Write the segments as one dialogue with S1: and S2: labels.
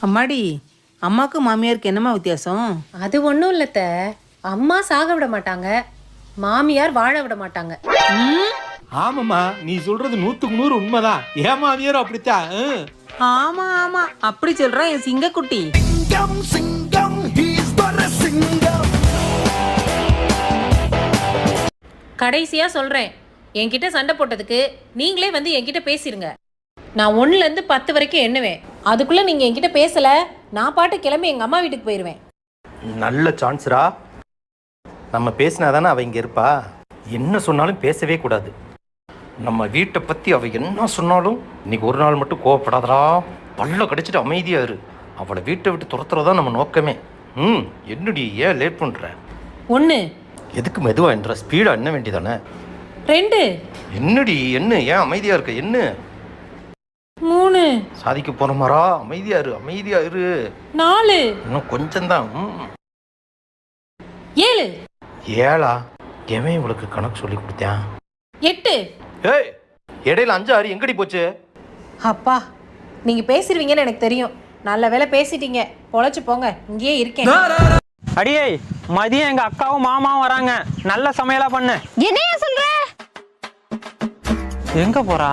S1: அம்மாடி, அம்மாக்கு மாமியாருக்கு என்னம்மா வித்தியாசம்?
S2: அது ஒன்றும் இல்லத்த, அம்மா சாக விட மாட்டாங்க, மாமியார் வாழ விட மாட்டாங்க.
S3: ஆமாம்மா, நீ சொல்றது 100க்கு 100 உண்மைதான். ஏன் மாமியாரும் அப்படித்தான்.
S1: ஆமா ஆமா, அப்படி சொல்றான் என் சிங்கக்குட்டி.
S2: கடைசியா சொல்றேன், என்கிட்ட சண்டை போட்டதுக்கு நீங்களே வந்து என்கிட்ட பேசிருங்க. நான் 1லேருந்து 10 வரைக்கும் எண்ணுவேன். அதுக்குள்ள நீங்க என்கிட்ட பேசல, நான் பாட்டு கிளம்பி எங்க அம்மா வீட்டுக்கு போயிடுவேன்.
S4: நல்ல சான்ஸ்ரா. நம்ம பேசினாதானே அவ இங்கே இருப்பா. என்ன சொன்னாலும் பேசவே கூடாது. நம்ம வீட்டை பற்றி அவ என்ன சொன்னாலும் இன்னைக்கு ஒரு நாள் மட்டும் கோவப்படாதடா. பல்ல கடிச்சிட்டு அமைதியா இரு. அவளை வீட்டை விட்டு துரத்துறதா நம்ம நோக்கமே. என்னடி ஏன் லேட் பண்ணுற?
S2: 1
S4: எதுக்கு மெதுவா என்ற ஸ்பீடா என்ன வேண்டியதானே?
S2: 2
S4: என்னடி என்ன ஏன் அமைதியா இருக்க? என்ன
S2: 3
S4: சாதிக்க போற மாறா? அமைதியா இரு, அமைதியா இரு.
S2: 4
S4: இன்னும் கொஞ்சம்தான்.
S2: 7
S4: ஏழா? எவன் இவளுக்கு கணக்கு சொல்லி கொடுத்தேன்?
S2: 8
S4: ஏய், இடையில 5 6 எங்கடி போச்சு?
S2: அப்பா, நீங்க பேசிடுவீங்கன்னு எனக்கு தெரியும். நல்ல வேலை பேசிட்டீங்க, பொழைச்சு போங்க. இங்கேயே இருக்கேன்.
S5: அடியே, மதியம் எங்க அக்காவும் மாமாவும் வராங்க. நல்ல சமையலா பண்ணு.
S6: என்னையா சொல்ற?
S5: எங்க போறா?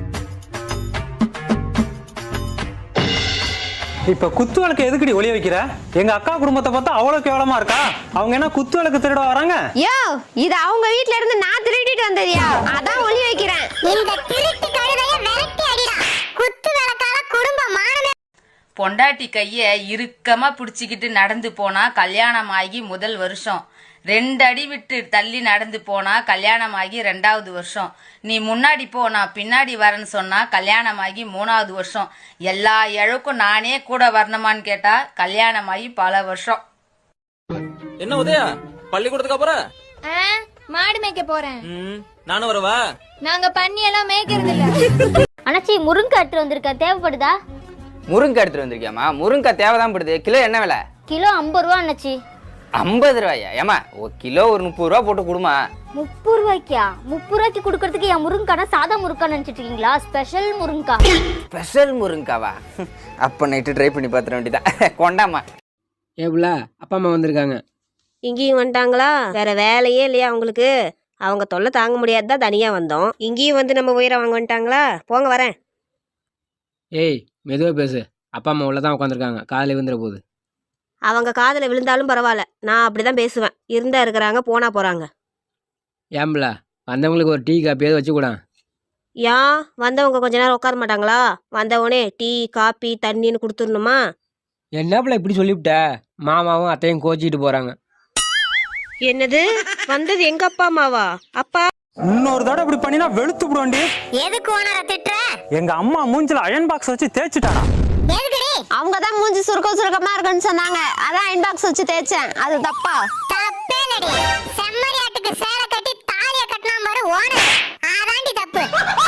S5: இப்ப குத்து விளக்கு எதுக்குடி ஒளிய வைக்கிற? எங்க அக்கா குடும்பத்தை பார்த்தா அவ்வளவு கேவலமா இருக்கா? அவங்க என்ன குத்து விளக்கு திருட வராங்க?
S6: யோ, இது அவங்க வீட்ல இருந்து நான் திருடிட்டு வந்ததியா, அதான் ஒளி வைக்கிறேன். இந்த திருட்டு கழுதைய விரட்டி அடிடா. குத்து விளக்கால குடும்ப மானமே.
S7: பொண்டாட்டி கைய இறுக்கமா பிடிச்சிக்கிட்டு நடந்து போனா கல்யாணம் ஆகி முதல் வருஷம், 2 அடி விட்டு தள்ளி நடந்து போனா கல்யாணம் ஆகி 2வது வருஷம், நீ முன்னாடி போ நான் பின்னாடி வரேன்னு சொன்னா கல்யாணம் ஆகி 3வது வருஷம், எல்லா இழக்கும் நானே கூட வரணுமான்னு கேட்டா கல்யாணம் ஆகி பல வருஷம்.
S8: என்ன உதயா, பள்ளிக்கூடத்துக்கு அப்புறம்
S6: மாடு மேய்க்க போறேன்.
S8: நானும் வரவா?
S6: நாங்க பண்ணி எல்லாம் மேய்க்கிறது இல்ல. அண்ணாச்சி, முருங்கை எடுத்து வந்திருக்க, தேவைப்படுதா?
S9: முருங்கை எடுத்துட்டு வந்திருக்கியாமா? முருங்கை தேவைதான் படுது. கிலோ என்ன விலை?
S6: கிலோ 50 ரூபா அண்ணாச்சி.
S9: 50 ரூபாயா? ஏமா ஒரு கிலோ ஒரு 30 ரூபா போட்டு கொடுமா.
S6: 30 ரூபாய்க்கா? 30 ரூபாய்க்கு கொடுக்கறதுக்கு என் முருங்கானா சாதா முருங்கா நினைச்சிட்டு இருக்கீங்களா? ஸ்பெஷல் முருங்கா.
S9: ஸ்பெஷல் முருங்காவா? அப்ப நைட்டு ட்ரை பண்ணி பார்த்துட வேண்டியதான். கொண்டாமா.
S10: ஏப்ல, அப்பா அம்மா வந்திருக்காங்க.
S11: இங்கேயும் வந்துட்டாங்களா? வேற வேலையே இல்லையா உங்களுக்கு? அவங்க தொல்லை தாங்க முடியாது தான் தனியா வந்தோம். இங்கேயும் வந்து நம்ம உயிரை வாங்க வந்துட்டாங்களா? போங்க, வரேன்.
S10: ஏய், மெதுவாக பேசு. அப்பா அம்மா உள்ளதான் உட்காந்துருக்காங்க, காலையில் விழுந்துற போகுது.
S11: அவங்க காதில் விழுந்தாலும் பரவாயில்ல, நான் அப்படிதான் பேசுவேன். இருந்தா இருக்கிறாங்க, போனா போறாங்க.
S10: ஏம்பல, வந்தவங்களுக்கு ஒரு டீ காப்பியாவது வச்சு கூட.
S11: ஏன் வந்தவங்க கொஞ்ச நேரம் உட்கார மாட்டாங்களா? வந்தவனே டீ காப்பி தண்ணின்னு கொடுத்துடணுமா?
S10: என்னப்பல இப்படி சொல்லிவிட்ட? மாமாவும் அத்தையும் கோச்சிக்கிட்டு போறாங்க.
S11: என்னது? வந்தது எங்க அப்பா அம்மாவா? அப்பா,
S5: இன்னொரு தடவை இப்படி பண்ணினா வெளுத்து விடுவாண்டி.
S6: எதுக்கு ஓனர திட்டுற?
S5: எங்க அம்மா மூஞ்சில அயன் பாக்ஸ் வச்சு தேய்ச்சிட்டாடா.
S6: எதுக்குடி? அவங்க தான் மூஞ்சி சுருக்கமா இருக்குன்னு சொன்னாங்க, அதான் அயன் பாக்ஸ் வச்சு தேய்ச்சேன். அது தப்பா? தப்பே இல்லடி. செம்மறியாட்டுக்கு சேலை கட்டி தாலிய கட்டினா பாரு ஓனர், அதாண்டி தப்பு.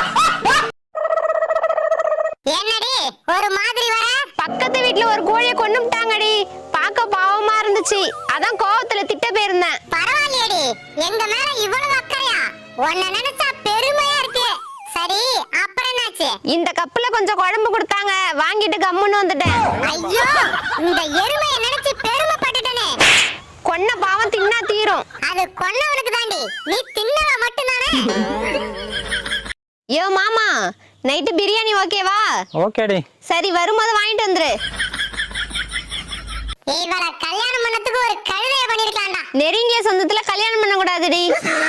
S6: என்னடி ஒரு மாதிரி வர? பக்கத்து வீட்ல ஒரு கோழியை கொன்னுட்டாங்கடி, பார்க்க பாவமா இருந்துச்சு, அதான் கோவத்துல திட்ட போயிருந்தேன். பரவாயில்லையடி, எங்க மேல இவ்வளவு அக்கறையா? உன்னை நினைச்சா பெருமையா இருக்கு. சரி, அப்புறம் என்னாச்சு? இந்த கப்புல கொஞ்சம் குழம்பு கொடுத்தாங்க, வாங்கிட்டு கம்முன்னு வந்துட்டேன். ஐயோ, இந்த எருமையை நினைச்சு பெருமைப்பட்டுட்டனே. கொன்ன பாவம் தின்னா தீரும். அது கொன்னவனுக்கு தாண்டி, நீ தின்னவ மட்டும்தானே. யோ மாமா, நைட்டு பிரியாணி ஓகேவா?
S5: ஓகேடி.
S6: சரி, வரும்போது வாங்கிட்டு வந்துரு. இவர கல்யாணம் பண்ணதுக்கு ஒரு கழுதைய பண்ணிருக்கான்டா. நெருங்கிய சொந்தத்துல கல்யாணம் பண்ண கூடாதுடி.